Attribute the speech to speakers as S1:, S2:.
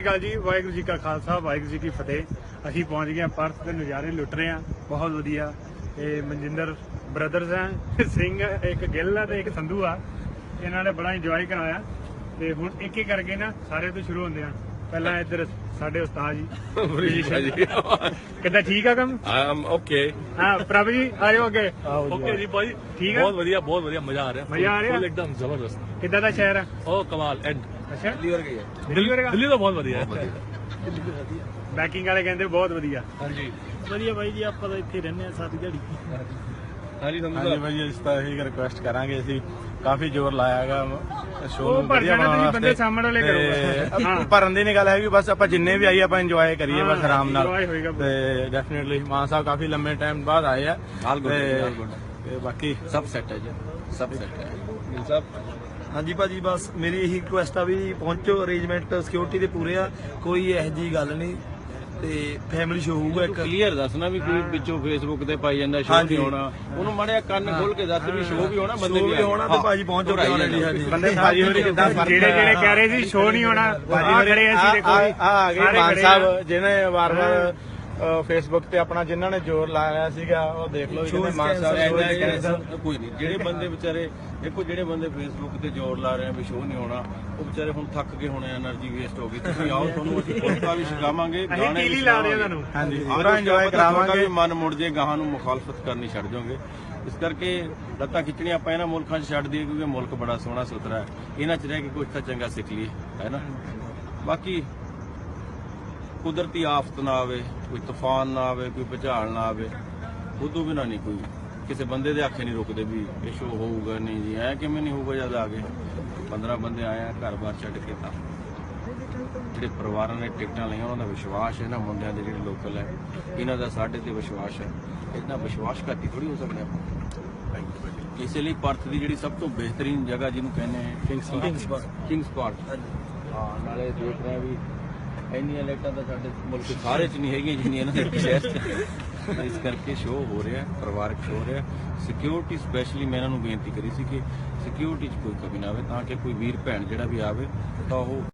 S1: ਗੱਲ ਜੀ, ਵਾਹਿਗੁਰੂ ਜੀ ਕਾ ਖਾਲਸਾ ਵਾਹਿਗੁਰੂ ਜੀ ਕੀ ਫਤਿਹ। ਅਸੀਂ ਪਹੁੰਚ ਗਏ ਪਰਥ ਦੇ ਨਜ਼ਾਰੇ ਲੁੱਟ ਰਹੇ ਹਾਂ, ਬਹੁਤ ਵਧੀਆ। ਇਹ ਮਨਜਿੰਦਰ ਬ੍ਰਦਰਸ ਹੈ, ਸਿੰਘ ਇੱਕ ਗਿੱਲ ਆ ਤੇ ਇੱਕ ਸੰਧੂ ਆ। ਇਹਨਾਂ ਨੇ ਬੜਾ ਇੰਜੋਏ ਕਰਾਇਆ ਤੇ ਹੁਣ ਇੱਕ ਇੱਕ ਕਰਕੇ ਨਾ ਸਾਰੇ ਤੋਂ ਸ਼ੁਰੂ ਹੁੰਦੇ ਆ। ਪਹਿਲਾਂ ਇੱਧਰ ਸਾਡੇ ਉਸਤਾਦ ਜੀ ਕਿੱਦਾਂ, ਠੀਕ ਆ ਕੰਮ?
S2: ਓਕੇ
S1: ਹਾਂ ਪ੍ਰਭ ਜੀ ਆ ਜਾਓ ਅੱਗੇ।
S2: ਓਕੇ ਜੀ ਭਾਈ,
S1: ਠੀਕ ਆ,
S2: ਬਹੁਤ ਵਧੀਆ ਮਜ਼ਾ ਆ ਰਿਹਾ,
S1: ਮਜ਼ਾ ਆ ਰਿਹਾ
S2: ਇੱਕਦਮ ਜ਼ਬਰਦਸਤ।
S1: ਕਿੱਦਾਂ ਦਾ ਸ਼ਹਿਰ ਆ?
S2: ਉਹ ਕਮਾਲ ਐਂਡ
S1: ਅੱਛਾ,
S2: ਦਿੱਲੀ ਵਰਗਾ ਹੈ।
S1: ਵਰਗਾ?
S2: ਦਿੱਲੀ ਤਾਂ ਬਹੁਤ ਵਧੀਆ ਹੈ।
S1: ਬੈਕਿੰਗ ਵਾਲੇ ਕਹਿੰਦੇ ਬਹੁਤ ਵਧੀਆ।
S2: ਹਾਂਜੀ
S1: ਵਧੀਆ ਬਾਈ ਜੀ, ਆਪਾਂ ਤਾਂ ਇੱਥੇ ਰਹਿੰਦੇ ਆ ਸਾਰੀ ਦਿਹਾੜੀ।
S2: ਹਾਂਜੀ
S3: ਹਾਂਜੀ ਭਾਈ, ਇਸ ਤਾਂ ਇਹੀ ਰਿਕੁਐਸਟ ਕਰਾਂਗੇ, ਅਸੀਂ ਕਾਫੀ ਜ਼ੋਰ ਲਾਇਆ ਹੈਗਾ ਸ਼ੋਅ
S1: ਉਹ
S3: ਨੂੰ
S1: ਭਰ
S3: ਵਧੀਆ
S1: ਜਾਣਾ,
S3: ਬਣਾਉਣ
S1: ਤੁਸੀਂ
S3: ਵਾਸਤੇ।
S1: ਬੰਦੇ ਸਾਹਮਣੇ ਵਾਲੇ ਕਰੋ।
S3: ਹਾਂ, ਭਰਨ ਦੀ ਨਹੀਂ ਗੱਲ ਹੈਗੀ, ਬਸ ਆਪਾਂ ਜਿੰਨੇ ਵੀ ਆਈਏ ਆਪਾਂ ਇੰਜੋਏ ਕਰੀਏ ਬਸ ਆਰਾਮ ਨਾਲ।
S1: enjoy ਹੋਏਗਾ।
S3: ਤੇ ਡੈਫੀਨਿਟਲੀ ਮਾਨ ਸਾਹਿਬ ਕਾਫੀ ਲੰਮੇ ਟਾਈਮ ਬਾਅਦ ਆਏ ਆ ਤੇ ਬਾਕੀ
S2: ਸਭ ਸੈੱਟ ਹੈ ਜੀ, ਸਭ ਸੈੱਟ ਹੈ ਸਭ।
S4: ਹਾਂਜੀ ਭਾਜੀ, ਬਸ ਮੇਰੀ ਇਹੀ ਰਿਕੁਐਸਟ ਆ ਵੀ ਪਹੁੰਚੋ, ਅਰੇਂਜਮੈਂਟ ਸਿਕਿਉਰਿਟੀ ਦੇ ਪੂਰੇ ਆ, ਕੋਈ ਇਹੋ ਜਿਹੀ ਗੱਲ ਨਹੀਂ ਤੇ ਫੈਮਿਲੀ ਸ਼ੋ ਹੋਊਗਾ ਇੱਕ।
S5: ਕਲੀਅਰ ਦੱਸਣਾ ਵੀ ਕੋਈ ਵਿੱਚੋਂ ਫੇਸਬੁੱਕ ਤੇ ਪਾਈ ਜਾਂਦਾ ਸ਼ੋਅ ਨਹੀਂ ਹੋਣਾ, ਉਹਨੂੰ ਮਾੜਿਆ ਕੰਨ ਖੋਲ ਕੇ ਦੱਸ ਵੀ ਸ਼ੋਅ ਵੀ ਹੋਣਾ, ਬੰਦੇ
S4: ਸ਼ੋ ਵੀ ਹੋਣਾ ਤੇ ਭਾਜੀ ਪਹੁੰਚ ਚੁੱਕੇ ਆਲਰੇਡੀ। ਹਾਂਜੀ
S3: ਬੰਦੇ ਭਾਜੀ ਹੋਰੀ ਕਿੱਦਾਂ
S1: ਜਿਹੜੇ ਕਹਿ ਰਹੇ ਸੀ ਸ਼ੋਅ ਨਹੀਂ ਹੋਣਾ,
S3: ਭਾਜੀ
S1: ਖੜੇ ਅਸੀਂ ਦੇਖੋ ਜੀ,
S3: ਆ ਗਏ
S1: ਸਾਰੇ
S3: ਮਾਨ
S1: ਖੜੇ
S3: ਸਾਹਿਬ
S1: ਆ।
S3: ਜਿਹਨੇ ਵਾਰ-ਵਾਰ ਫੇਸਬੁੱਕ ਤੇ ਆਪਣਾ ਜਿਨ੍ਹਾਂ ਨੇ ਜ਼ੋਰ ਲਾਇਆ ਸੀਗਾ, ਉਹ ਦੇਖ ਲਓ ਜਿਹਨੇ ਮਾਨ ਸਾਹਿਬ
S5: ਕੋਈ ਨਹੀਂ। ਜਿਹੜੇ ਬੰਦੇ ਵਿਚਾਰੇ ਦੇਖੋ, ਜਿਹੜੇ ਬੰਦੇ ਫੇਸਬੁੱਕ ਤੇ ਜ਼ੋਰ ਲਾ ਰਹੇ ਆ ਵੀ ਸ਼ੋਅ ਨਹੀਂ ਹੋਣਾ, ਉਹ ਵਿਚਾਰੇ ਹੁਣ ਥੱਕ ਗਏ ਹੋਣੇ, એનર્ਜੀ ਵੇਸਟ ਹੋ ਗਈ। ਤੁਸੀਂ ਆਓ, ਤੁਹਾਨੂੰ ਅਸੀਂ ਪੁਰਸਕਾਰ ਵੀ ਛਕਾਵਾਂਗੇ,
S1: ਅਸੀਂ
S5: ਗਾਣੇ
S1: ਟੀਲੀ
S5: ਵੀ
S1: ਲਾ ਰਹੇ ਉਹਨਾਂ ਨੂੰ।
S3: ਹਾਂਜੀ
S5: ਪੂਰਾ
S3: ਪੂਰਾ ਇੰਜੋਏ ਕਰਾਵਾਂਗੇ।
S5: ਮਨ ਮੁੜ ਜੇ, ਗਾਹਾਂ ਨੂੰ ਮੁਖਾਲਫਤ ਕਰਨੀ ਛੱਡ ਜਾਓਗੇ। ਇਸ ਕਰਕੇ ਲੱਤਾਂ ਖਿੱਚਣੀਆਂ ਆਪਾਂ ਇਹਨਾਂ ਮੁਲਕਾਂ 'ਚ ਛੱਡ ਦਈਏ, ਕਿਉਂਕਿ ਮੁਲਕ ਬੜਾ ਸੋਹਣਾ ਸੁਥਰਾ ਹੈ। ਇਹਨਾਂ 'ਚ ਰਹਿ ਕੇ ਕੁਝ ਤਾਂ ਚੰਗਾ ਸਿੱਖ ਲਈਏ, ਹੈ ਨਾ। ਬਾਕੀ ਕੁਦਰਤੀ ਆਫਤ ਨਾ ਆਵੇ, ਕੋਈ ਤੂਫਾਨ ਨਾ ਆਵੇ, ਕੋਈ ਭੁਚਾਲ ਨਾ ਆਵੇ, ਉਦੋਂ ਬਿਨਾਂ ਨਹੀਂ ਕੋਈ ਕਿਸੇ ਬੰਦੇ ਦੇ ਆਖੇ ਨਹੀਂ ਰੁਕਦੇ ਵੀ ਇਹ ਸ਼ੋਅ ਹੋਊਗਾ ਨਹੀਂ ਜੀ। ਐ ਕਿਵੇਂ ਨਹੀਂ ਹੋਊਗਾ ਜਦ ਆ ਗਏ 15 ਬੰਦੇ ਆਏ ਆ ਘਰ-ਬਾਰ ਛੱਡ ਕੇ। ਤਾਂ ਜਿਹੜੇ ਪਰਿਵਾਰਾਂ ਨੇ ਟਿਕਟਾਂ ਲਈਆਂ ਉਹਨਾਂ ਦਾ ਵਿਸ਼ਵਾਸ ਹੈ ਨਾ, ਮੁੰਡਿਆਂ ਦੇ ਜਿਹੜੇ ਲੋਕਲ ਹੈ, ਇਹਨਾਂ ਦਾ ਸਾਡੇ ਤੇ ਵਿਸ਼ਵਾਸ ਹੈ। ਇੰਨਾ ਵਿਸ਼ਵਾਸਘਾਤੀ ਥੋੜੀ ਹੋ ਸਕਦੇ ਆਪਾਂ। ਇਸੇ ਲਈ ਪਰਥ ਦੀ ਜਿਹੜੀ ਸਭ ਤੋਂ ਬਿਹਤਰੀਨ ਜਗ੍ਹਾ ਜਿਹਨੂੰ ਕਹਿੰਦੇ ਆ ਕਿੰਗਸ ਪਾਰਕ, ਹਾਂ, ਨਾਲੇ ਦੇਖ ਰਹੇ ਵੀ ਇੰਨੀਆਂ ਲਾਈਟਾਂ ਤਾਂ ਸਾਡੇ ਮੁਲਕ ਸਾਰੇ 'ਚ ਨਹੀਂ ਹੈਗੀਆਂ ਜਿੰਨੀਆਂ ਇਹਨਾਂ ਦੇ ਸ਼ਹਿਰ 'ਚ। ਇਸ ਕਰਕੇ ਸ਼ੋਅ ਹੋ ਰਿਹਾ, ਪਰਿਵਾਰਕ ਸ਼ੋਅ ਹੋ ਰਿਹਾ। ਸਿਕਿਉਰਿਟੀ ਸਪੈਸ਼ਲੀ ਮੈਂ ਇਹਨਾਂ ਨੂੰ ਬੇਨਤੀ ਕਰੀ ਸੀ ਕਿ ਸਿਕਿਉਰਿਟੀ 'ਚ ਕੋਈ ਕਮੀ ਨਾ ਆਵੇ, ਤਾਂ ਕਿ ਕੋਈ ਵੀਰ ਭੈਣ ਜਿਹੜਾ ਵੀ ਆਵੇ ਤਾਂ ਉਹ